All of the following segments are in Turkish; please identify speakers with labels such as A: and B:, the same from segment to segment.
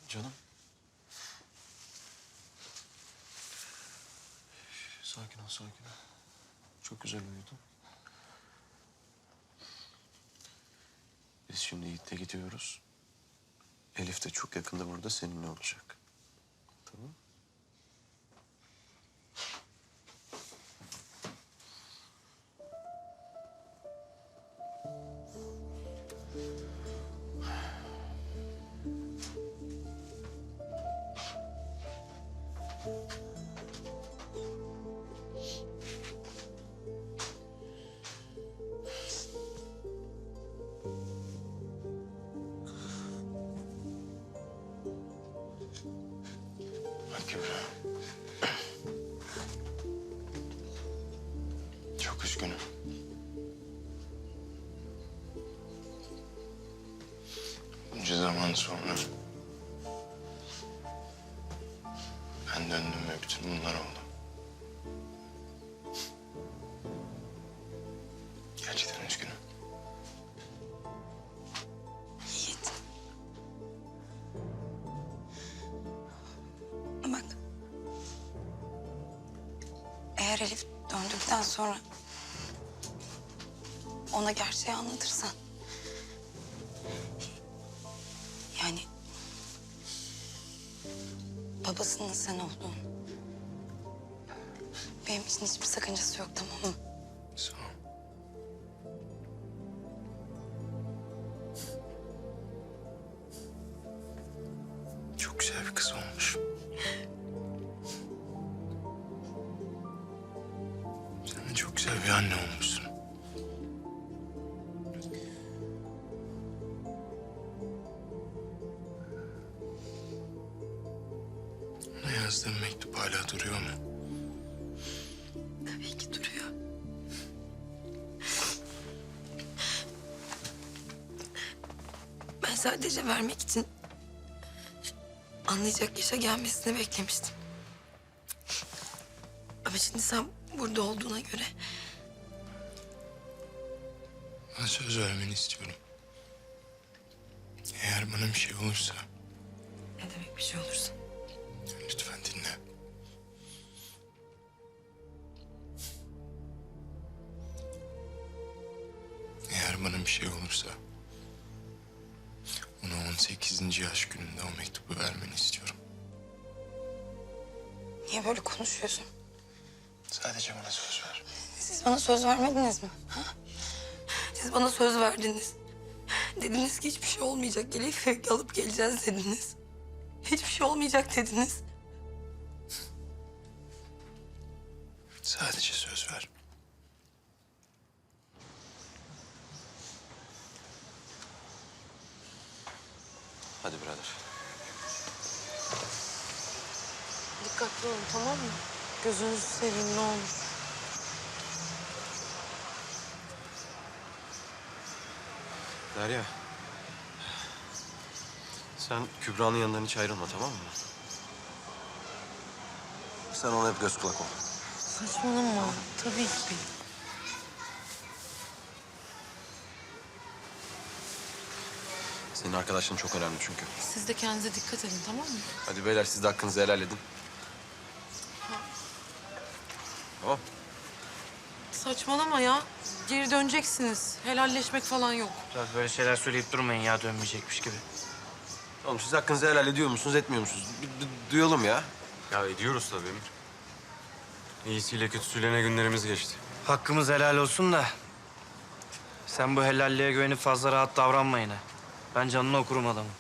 A: Canım. Sakin ol, sakin ol. Çok güzel uyudun. Biz şimdi Yiğit'le gidiyoruz. Elif de çok yakında burada seninle olacak. Tamam. Bak Kübra. Çok üzgünüm. Bunca zaman sonra ben döndüm ve bütün bunlar oldu. Gerçekten üzgünüm.
B: Yiğit. Bak. Eğer Elif döndükten sonra ona gerçeği anlatırsan... Yani babasının sen olduğunu... Benim için hiçbir sakıncası yok, tamam mı?
A: Sağ ol. Çok güzel bir kız olmuş. Sen de çok güzel bir anne olmuşsun. Ona yazdığım mektup hala duruyor mu?
B: Tabii ki duruyor. Ben sadece vermek için anlayacak yaşa gelmesini beklemiştim. Ama şimdi sen burada olduğuna göre
A: Bana söz vermeni istiyorum. Eğer bana bir şey olursa
B: ne demek bir şey olursa.
A: lütfen dinle. Eğer bana bir şey olursa ona 18. yaş gününde o mektubu vermeni istiyorum.
B: Niye böyle konuşuyorsun?
A: Sadece bana söz ver.
B: Siz bana söz vermediniz mi? Ha? Siz bana söz verdiniz. Dediniz ki hiçbir şey olmayacak. Elif'i alıp geleceğiz dediniz. Hiçbir şey olmayacak dediniz.
A: Sadece söz ver. Hadi birader.
C: Dikkatli olun, tamam mı? Gözünüzü seveyim, ne olur.
A: Derya. Sen Kübra'nın yanından hiç ayrılma, tamam mı? Sen ona hep göz kulak ol.
C: Saçmalama. Tabii ki.
A: Senin arkadaşlığın çok önemli çünkü.
C: Siz de kendinize dikkat edin, tamam mı?
A: Hadi beyler siz de hakkınızı helal edin. Tamam.
C: Saçmalama ya. Geri döneceksiniz. Helalleşmek falan yok.
D: Biraz böyle şeyler söyleyip durmayın ya, dönmeyecekmiş gibi.
A: Oğlum siz hakkınızı helal ediyor musunuz, etmiyor musunuz? Bir duyalım ya.
E: Ya ediyoruz tabii Emir. İyisiyle kötüsüyle ne günlerimiz geçti.
D: Hakkımız helal olsun da... sen bu helalliğe güvenip fazla rahat davranma yine. Ben canını okurum adamın.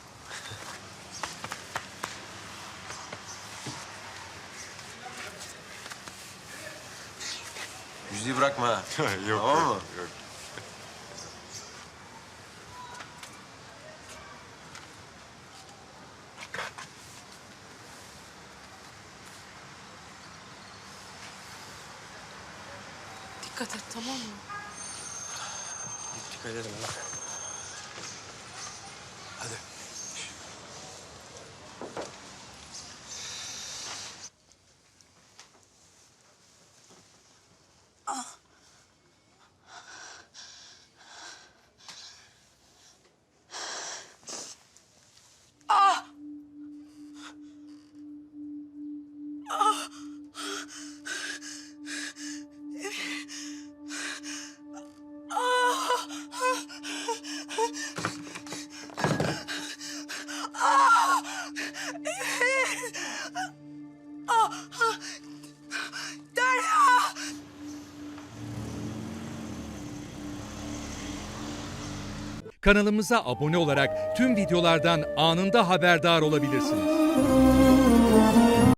A: Yüzüğü bırakma ha.
E: Yok,
A: Tamam
E: yok,
A: mı?
E: yok.
C: Dikkat et, tamam mı?
D: Dikkat edin lan.
A: Hadi.
F: Kanalımıza abone olarak tüm videolardan anında haberdar olabilirsiniz.